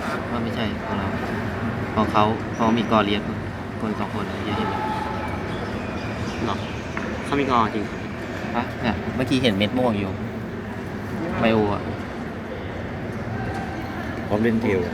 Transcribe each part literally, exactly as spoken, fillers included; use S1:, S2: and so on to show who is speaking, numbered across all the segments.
S1: ว่าไม่ใช่ของเราของเขาเขามีกอเลียนคนสองคนเยอะเห็นไหม
S2: หรอเขามีกอจริง
S1: ฮะเนี่ยเมื่อกี้เห็นเม็ดม่วงอยู่ไบโออ่ะ
S3: พร้อมเล่นเทล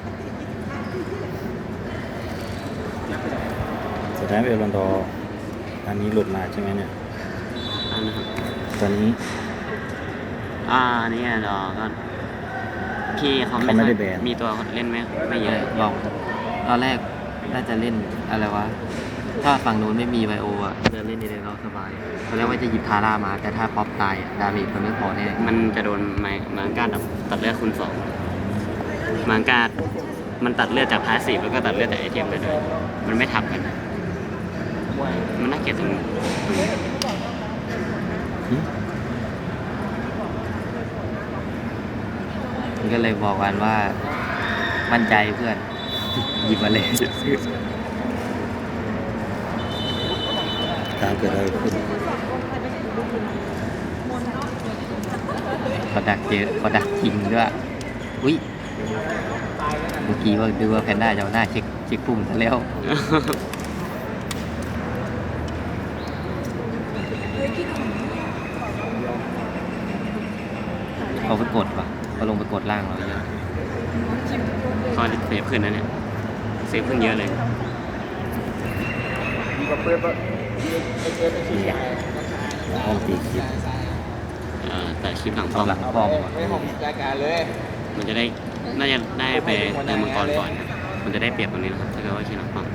S3: สุดท้ายเอลอนดอร์อันนี้หลุดมาใช่ไหมเนี่ย
S2: อันนะครับ
S3: ตอนนี้
S2: อ่าอันนี้ดอก็พี่เขาไม่
S3: เขาไม่ได้แบน
S2: มีตัวเล่นไหมไม่เยอะ
S1: ลองตอนแรกน่าจะเล่นอะไรวะถ้าฝั่งนู้นไม่มีไบโออ่ะจะเล่นในเดนเราสบายตอนแรกว่าจะหยิบทาร่ามาแต่ถ้าป๊อปตายอะดาเมจมันไม่พอแน่
S2: มันจะโดนไม้มังการตัดเลือดคูณสองมังการมันตัดเลือดจากพาสซีฟแล้วก็ตัดเลือดจากไอเทมเลยด้วยมันไม่ทับกัน มันน่าเกลียดตรงนี้
S3: หึ
S1: มันก็เลยบอกกันว่ามั่นใจเพื่อนหยิบมาเลย
S3: การเกิดอะไรขึ้น
S1: เขาดักเจอเขาดักจริงด้วยอุ้ยเมื่อกี้ว่าดูว่าแพนด้าจะเอาหน้าเช็คเช็คปุ่มซะแล้วเขาไปกดว่ะเขาลงไปกดล่างเราเยอะ
S2: ก็เซฟขึ้นนะเนี่ยเซฟขึ้นเยอะเลย
S3: นี่ห้องตีคลิป
S2: เอ่อแต่คลิปหลังป้
S1: เอา
S2: อม
S1: หลังป้อมว่ะ
S2: มันจะได้น่าจะได้ไปเติมมังกรก่อนนะมันจะได้เปรียบตรงนี้นะครับถ้าเกิดว่าคลิปหลังป้อม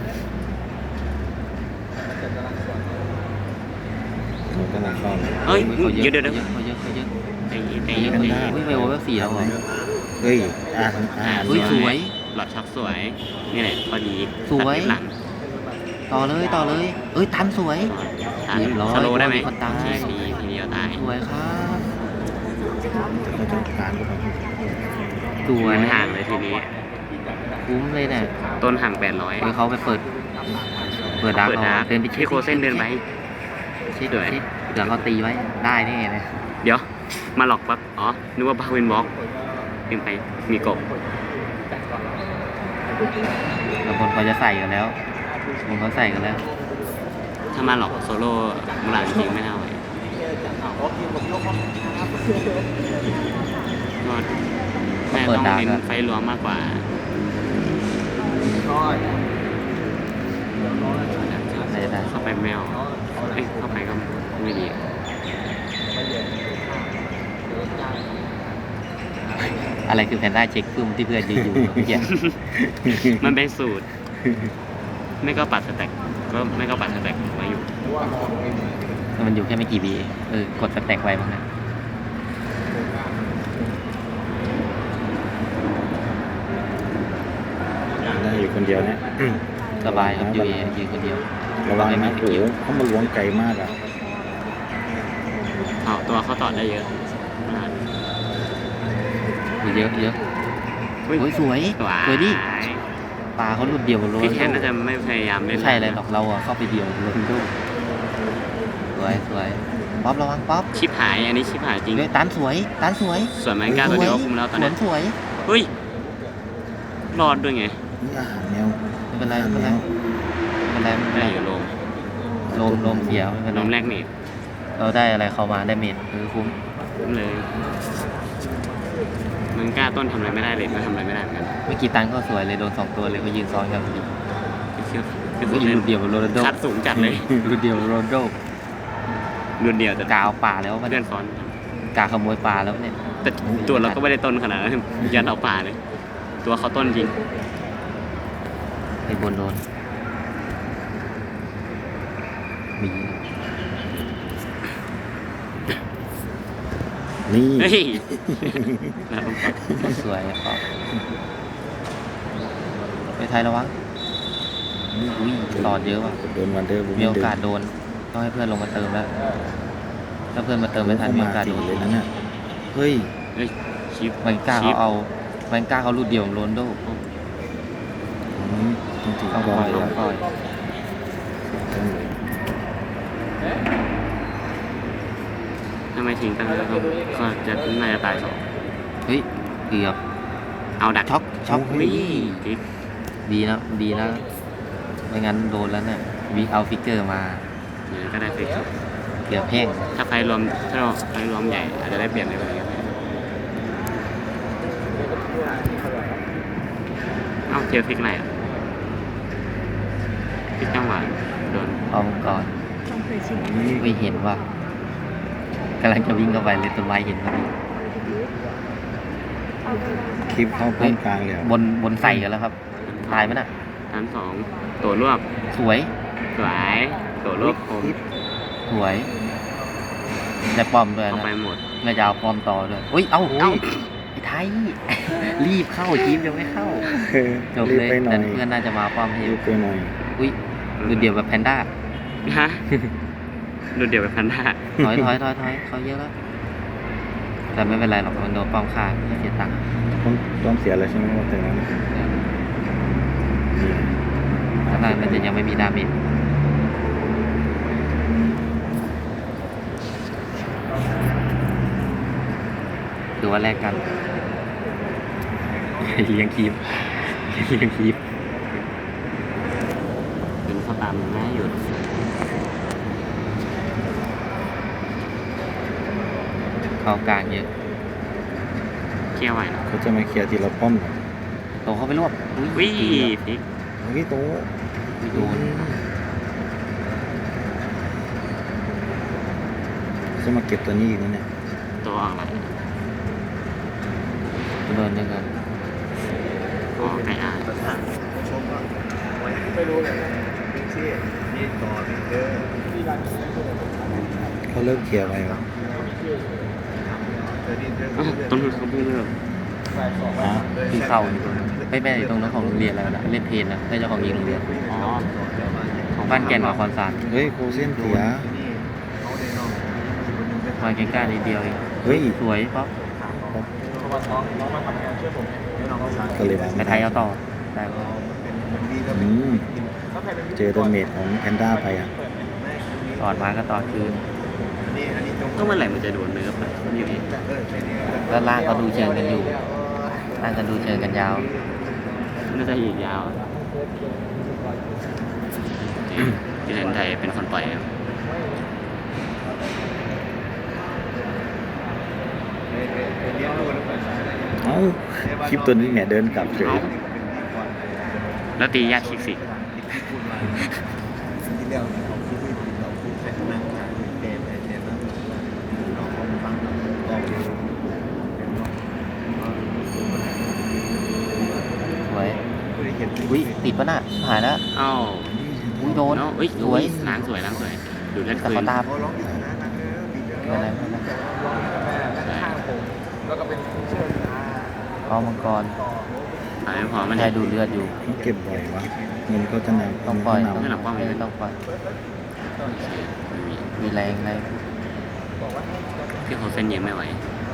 S3: มันกำลังเข้า
S2: เฮ้ย
S1: เขาเย
S2: เดี๋ย
S1: อะ
S2: วเดี๋ยวเดี๋ยว
S1: เขาเยอะเขาเยอะ
S2: ไอ้ไอ้
S1: เขาเยอะ
S2: ไอ้
S1: อุ้ยไบโอเวลสี่แล้วเหรอ
S3: เฮ้ยอ่านอ่าน
S1: อุ้ยสวย
S2: หลอดช็อคสวย นี่แหละพอดี
S1: สวย
S2: ตัดเล็บหลัง
S1: ต่อเลยต่อเลย เอ้ยตันสวย
S2: ทัน
S1: เรียบร้อย
S2: สโลว์ได้ไหม
S1: คนตาย
S2: ทีทีทีเดียวตาย
S1: สวยครับ
S3: เขาจะการก็แบบ
S1: สวย
S2: มันห่างเลยทีนี้
S1: คุ้มเลยเนี่ย
S2: ต้นห่างแปดร้อย
S1: เฮ้ยเขาไปเปิด เปิดดาร์ก
S2: เปิด
S1: เอา
S2: ดาร์ก
S1: เดินไปเช็
S2: ที่
S1: ค
S2: โคเส้นเดินไป
S1: เช็ค
S2: สวย
S1: เช็คเดี๋ยวเขาตีไว้ได้แน่เลย
S2: เดี๋ยว มาหลอกปั๊บอ๋อ นึกว่าบาวินบล็อกลืมไป มีกบ
S1: แล้วคนเขาจะใส่กันแล้วคนเขาใส่กันแล้ว
S2: ถ้ามาหลอกโซโล่มูหลานจริงไม่น่าไหวก็แม่ต้องเน้นไฟรวมมากกว่า
S1: ใส่ได้
S2: เข้าไปแมวเอ้ยเข้าไปก็ไม่ดี
S1: อะไรคือแพนด้าเช็คฟึ่มที่เพื่อนยืนอยู่เมื่อกี้
S2: มันเป็นสูตร ไม่ก็ปัดสแต็กก็ไม่ก็ปัดสแต็กไว้อยู่
S1: มันอยู่แค่ไม่กี่วิเองเออกดสแต็กไว้บ้างนะ
S3: ได้อยู่คนเดียวเนี่ย
S1: สบายครับยูเอยืนคนเดียว
S3: ระวัง
S1: ไม่
S3: นะ
S1: มี
S3: โอ้โหเขามาล้วงไกลมากอ่ะ
S2: เอาตัวเขาต่อได้เยอะ
S1: เยอะเยอะ
S2: อุ้ย
S1: โอ้ยสวย
S2: สวย
S1: สวยดิปลาเขาหลุดเดียวโรน
S2: พี่แทน
S1: โด
S2: น่าจะไม่พยายามเล่
S1: ไม่
S2: น
S1: ใช่อะไรหรอกเราอะเข้าไปเดียวโรนโดสวยสวยป๊อประวังป๊อป
S2: ชิปหาย อันนี้ชิปหายจริง
S1: เฮ้ยตันสวยตันสวย
S2: ส่วนแมงก้าตัวเดียวก็คุมแล้วตอน
S1: สว
S2: นี้
S1: นสวย
S2: เฮ้ย รอดด้วยไง
S3: นี่อาหารแมว
S1: ไม่เป็นไรไม่เป็นไรไม่เป็นไรไม่เป็น
S2: ได้
S1: ไร
S2: อยู่โลม
S1: ลมลมเสียไม่เป็น
S2: โล
S1: ไร
S2: มแรกนี่
S1: เราได้อะไรเข้ามาได้เม็ดคือคุ้ม
S2: คุ้มเลยแมงก้าต้นทำอะไรไม่ได้เลยก็ทำอะไรไม่ได้เหมือนกัน
S1: เมื่อกี้ตันก็สวยเลยโดนสองตัวเลยก็ยืนซ้อนกันพอดี
S2: คือคือ
S1: ก็ยืนหลุดเดียวโรนลโด
S2: คัดสูงจัดเลย
S1: หลุดเดียวโรนลโด
S2: รุนเดียวแต่
S1: กาเอาป่าแล้วมัน
S2: เลื่อนซ้อน
S1: กาขโมยป่าแล้วเนี่ย
S2: แต่ตัวเราก็ไม่ได้ต้นขนาดนั้นยันเอาป่าเลย ตัวเขาต้นจริง
S1: ไอ้บนโดนมี
S3: นี่
S2: เฮ้ยแล้วผมก็
S1: สวยครับไปไทยระวังอุ้ยตอดเยอะว่ะ
S3: โดนวันเดอร์บู
S1: มีโอกาสโดนต้องให้เพื่อนลงมาเติมแล้วถ้าเพื่อนมาเติมไม่ทันมีโอกาสโดน
S3: เลยนะเนี่ยเฮ้ย
S2: เฮ้ยชิป
S1: แมงก้าเขาเอาแมงก้าเขาลูดเดียวโรนลโด
S3: อืมต้องถือ
S1: ต้อง
S3: บ
S1: ป
S3: อ
S1: ล่อย
S3: ล
S1: ต้องปล่อย
S2: ถ้าไม่ทิ้งตั้งแต่ก็ก็จะน่าจะตายสอง
S1: เฮ้ยเกือบ
S2: เอาดัก
S1: ช็อกช็อก
S2: วิ่งฟิก
S1: ดีนะดีนะไม่งั้นโดนแล้วเนี่ยวิเอาฟิกเกอร์มา
S2: อย่างนั้นก็ได้ฟิกครับ
S1: เกือบแห้ง
S2: ถ้าไฟรวมถ้าเราไฟรวมใหญ่อาจจะได้เปลี่ยนในแบบนี้เอ้าเจอฟิกไหนอ่ะฟิกจังหวะโดน
S1: เอาก่อนไม่เห็นว่ะกำลังจะวิ่งเข้าไปเลยต้นไม้เห็นพอดี
S3: คลิปเข้าป้อมกลางเลยเหรอบ
S1: นบนใส่กันแล้วครับตายไหมน่ะ
S2: ชั้นสองตัวรวบ
S1: สวย
S2: สวยตัวรวบคม
S1: สวยได้ป้อมด้วย
S2: เอา
S1: นะ
S2: ไปหมด
S1: น่าจะเอาป้อมต่อด้วยอุ้ยเอ้า
S2: เอ้า
S1: ไอ้ไทย รีบเข้าทีมยังไม่เข้า
S3: เออ
S1: จบ
S3: รีบ
S1: เลย
S3: ไปหน่อ
S1: แต่
S3: ย
S1: เพื่อนน่าจะมาป้อมให้
S3: รีบไปหน่อย
S1: อุ้ยดูเดียวแบบแพนด้า
S2: ฮะดูเดี๋ยวไปพันธะ
S1: ถอยถอยถอยถอยเขาเยอะแล้ว แต่ไม่เป็นไรหรอกมันโดนป้อมฆ่าไม่เสียตังค์
S3: ต้องต้องเสียแล้วใช่ไหมว่าแต่นั้นนี่
S1: ข้างล่างมันจะยังไม่มีดาเมจดูว่าแลกกัน เลี้ยงคีบเลี้ยงคีบ
S2: เป็นข้าวตามง่ายอยู่
S1: เข้ากลางเยอะ
S2: เคี่ยวไหวนะ
S3: เขาจะมาเคลียร์ทีละป้อมเหรอ
S1: โตเข้าไปรวบอุ้ย
S2: วิ่งฟิก
S3: เฮ้ยโต
S1: ไม่โดน
S3: จะมาเก็บตัวนี้อีกนะเนี่ย
S2: ตัวออกไหล
S1: โดนยังไง
S2: อ๋อไก่อาร์
S3: เขาเลิกเคลียร์ไปวะ
S2: อ้าวต้นทุนเขาเพิ่งเลิก
S3: อ๋อ
S1: คือเข้าอยู่ตรงนั้นไม่ไม่ตรงนั้นของโรงเรียนแล้วนะเล่นเพลนนะไม่ใช่ของยิงโรงเรียน
S2: อ๋อ
S1: ของบ้านแก่นกับคอนซาน
S3: เฮ้ยโคเซนเสีย
S1: มาใกล้ๆนิดเดียวเอง
S3: เฮ้ย
S1: สวยป๊อป
S3: ก็เลยมา
S1: ไปไทยเอาต่อได้ปะ
S3: อืมเจอดาเมจของแพนด้าไปอ่ะ
S1: ต่อมาก็ต่อคืน
S2: ก็เมื่อไหร่มันจะโดนเนื้อไปอยู่นี่
S1: แล้วล่างก็ดูเชิงกันอยู่ล่างก็ดูเชิงกันยาว
S2: น่าจะอีกยาวที่เล่นไทยเป็นคนปล่อยครับ
S3: เอ้าคลิปตัวนี้เนี่ยเดินกลับเฉย
S2: เอ้าแล้วตียากคิกสิ
S1: สวยอุ้ยติดปะน่ะหายแล้ว
S2: เอ้า
S1: อุ้ยโดน
S2: เอ้าเอ้ย
S1: สวย
S2: ล้างสวยล้างสวยดูดเลือด
S1: แต่
S2: คื
S1: เขา
S2: น
S1: ตามไม่เป็นไรไม่เป็นไรเอามังกร
S2: ตายไม่พอมัน
S1: ใช่ดูเลือดอยู่
S3: เขาเก็บบ่อยวะเงินเขาจะนำ
S1: ต้องปล่อย
S3: น
S1: ต้อง
S2: ไม่หลับป้อม
S1: ไม่ต้องปล่อยมีแรงอะไร
S2: ที่เขาเส้นเยอะไม่ไหว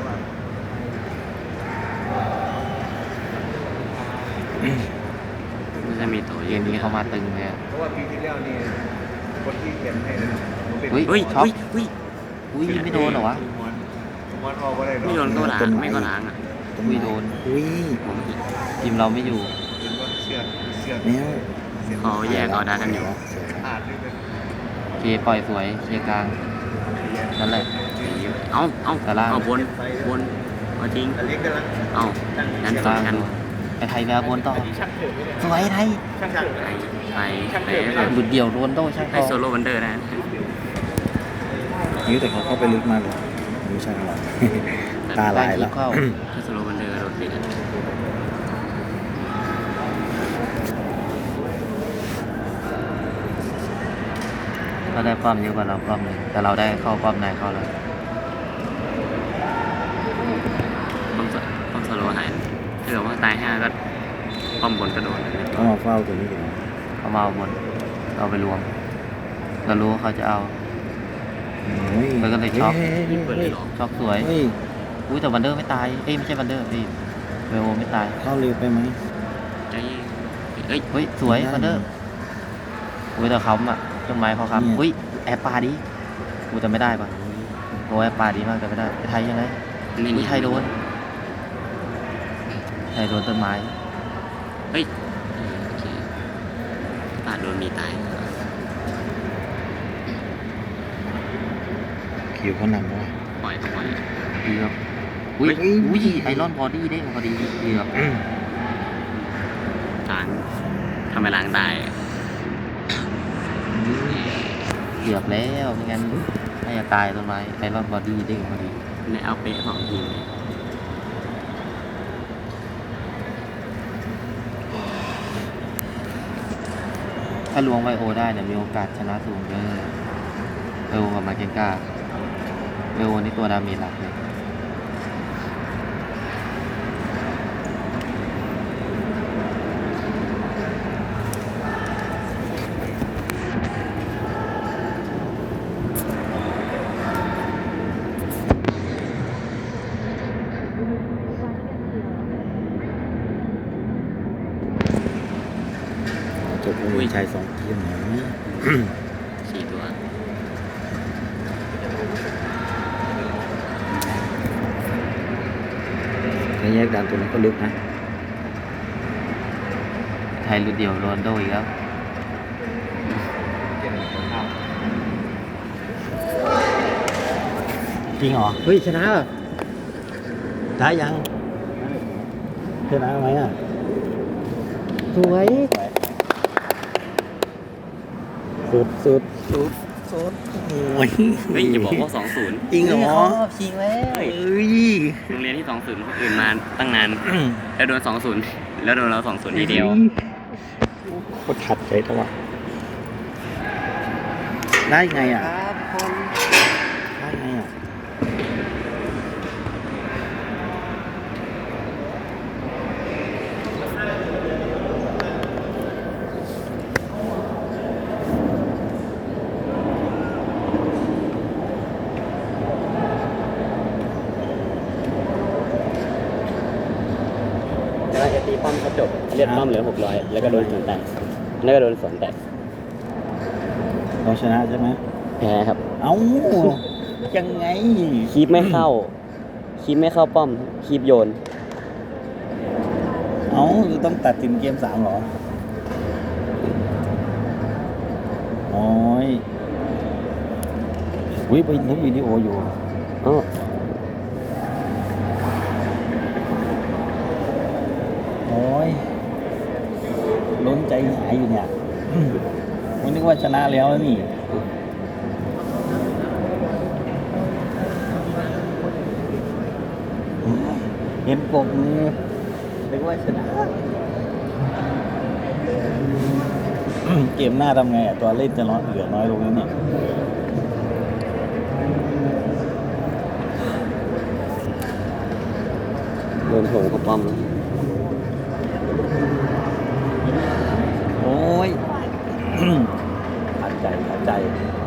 S2: มันจะมีตัว
S1: เก
S2: เยอะ
S1: มนี้เขามาตึงเลยอะ
S4: เพราะว่าปีที่แล้วนี่คนที่เขียนให้นะผมเป็น
S1: อุ้ย
S2: เฮ้ย
S1: ช็อก
S2: เฮ้ยเฮ้ย
S1: อุ้ยไม่โดนเหรอวะ
S4: มอนมอนออกมาได้หรอ
S2: ไม่โดนก็ล้างไม่ก็ล้างอ่ะ
S3: ำต้น
S1: อุ้
S3: ไม้
S1: ยโดน
S3: อุ้ย
S2: ผม
S1: ทีมเราไม่อยู่
S4: เป็นว่าเสื้อเสื้อ
S3: แมว
S2: เขาแยกเอาดากันอยู่
S4: อาดนี่เป็น
S1: เคปล่อยสวยเคลียร์กลางนั่นแหละ
S2: เอาเอา
S1: แต่ล่าง
S2: เอาบนบนเอาทิ้ง
S4: อันนี้กำลัง
S2: เอานั้นสวนกัน
S1: ไอไทยแววบนต่อสวยไทย
S4: ช่าง
S2: ไปไปไป
S1: หลุดเดี่ยวโดนโต้ช่าง
S2: ให้
S1: ทอ
S2: โซโล่วันเดอร์นะ
S3: นิ้วแต่เขาเข้าไปลึกมากเลยไม่ใช่หรอก ตาลายแล้ว
S1: เข้า
S2: ถ้าโซโล่วันเดอร์โดนติด
S1: เราได้ป้อมเยอะกว่าเราป้อมหนึ่งแต่เราได้เข้าป้อมในเข้าแล้ว
S2: ต้องต้องโซโล่หายถ้าเกิดว่าตายห้าก็ป้อมบนกระโดด
S3: เขามาเฝ้าตัวนี้กัน
S1: เขามาเอาบนเราไปรวม เรารู้ว่าเขาจะเอา
S3: เฮ้ย
S1: มันก็เลยช็อก
S3: เฮ้ย
S2: ยิงเปิดเลยเหรอ
S1: ช็อกสวย
S3: เฮ้ย
S1: อุ้ยแต่วันเดอร์ไม่ตายเอ้ยไม่ใช่วันเดอร์พี่เวโอไม่ตาย
S3: เข้าเร็วไปไหม
S2: ใจเย็นเอ้ย
S1: เฮ้ยสวยวันเดอร์อุ้ยแต่เขาอ่ะต้นไม้เขาครับอุ้ยแอปปลาดิอุ้ยแต่ไม่ได้ปะโอ้แอปปลาดีมากแต่ไม่ได้ไอ้ไทยยังไง
S2: นี่
S1: อุ้ย
S2: นี่
S1: ไทยโดนไทยโดนต้นไม้
S2: เฮ้ยโอเคปาดโดนมีตาย
S3: คิวเขานำแล้วว่ะ
S2: ปล่อยต้องปล่อย
S1: เกือบอุ้ย
S2: เฮ้ย
S1: อุ้ยไอรอนบอดี้เด้งพอดีเกือบ
S2: ล้างทำไมล้างตาย
S1: เกือบแล้วไม่งั้นน่าจะตายต้นไม้ไอรอนบอดี้เด้งพอดี
S2: ในเอาเป๊ะสองทีมเลย
S1: ถ้าลวงไวโอได้เนี่ยมีโอกาสชนะสูงเด้อไวโอกับมาเกนกาไวโอนี่ตัวดาเมจหลักเลย
S3: จบมีชายสองทีมหน่อย
S2: สี่ตัว
S3: ในแยกดันตัวนั้นก็ลึกนะ
S1: ไทยรุดเดียวโรนลโดอีกแล้ว
S3: จริงเหรอ
S1: เฮ้ยชนะ
S3: ได้ยังชนะไหมอ่ะ
S1: สวย
S3: สุดสุดสุดสุดโอ้ย
S2: เฮ้ยอย่าบอกว่าสองศูนย์
S3: จริงเหรอ
S1: ชิงแล้ว
S3: เอ้ย
S2: โรงเรียนที่สองศูนย์คนอื่นมาตั้งนาน แล้วโดนสองศูนย์แล้วโดนเราสองศูนย์ทีเดียว
S3: โคตรขัดใจตัวะได้ไงอ่ะ
S1: ครับคน
S3: ได้ไงอ่ะ
S2: แล้วจะตีป้อมเขาจบเรียกป้อมเหลือหกร้อยแล้วก็โดนสวนแตกแล้วก็โดนสวนแตก
S3: เราชนะใช่ไหม
S2: แพ้ครับ
S3: เอ้า ยังไง
S2: คีบไม่เข้า คีบไม่เข้าป้อม คีบโยน
S3: เอ้าจะต้องตัดสินเกมสามเหรอ โอ้ยวิไปนึกวิดีโออยู่
S2: อ๋อ
S3: โอ้ยล้นใจหายอยู่เนี่ยไม่นึกว่าชนะแล้วนี่ เห็นปกมือนึกว่าชนะ เกมหน้าทำไงอ่ะ ตัวเล่นจะน้อยเหลือน้อยลงแล้วเนี่ย
S2: โดนโถงเข้าป้อม
S3: โอ้ย ขัดใจขัดใจ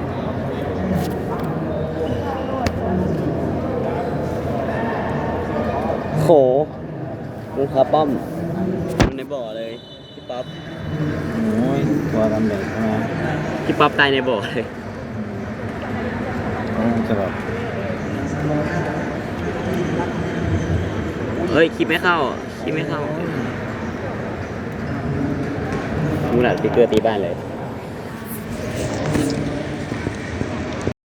S2: โขมึงคาป้อมอยู่ในบ่อเลย พี่ป๊อป
S3: โอ้ย ตัวดำแดงใช่ไหม
S2: พี่ป๊อปตายในบ่อเลย
S3: โอ้ยจะแบบ
S2: เฮ้ยคิดไม่เข้า คิดไม่เข้ามูหลัดสติ๊กเกอร์ตีบ้านเลย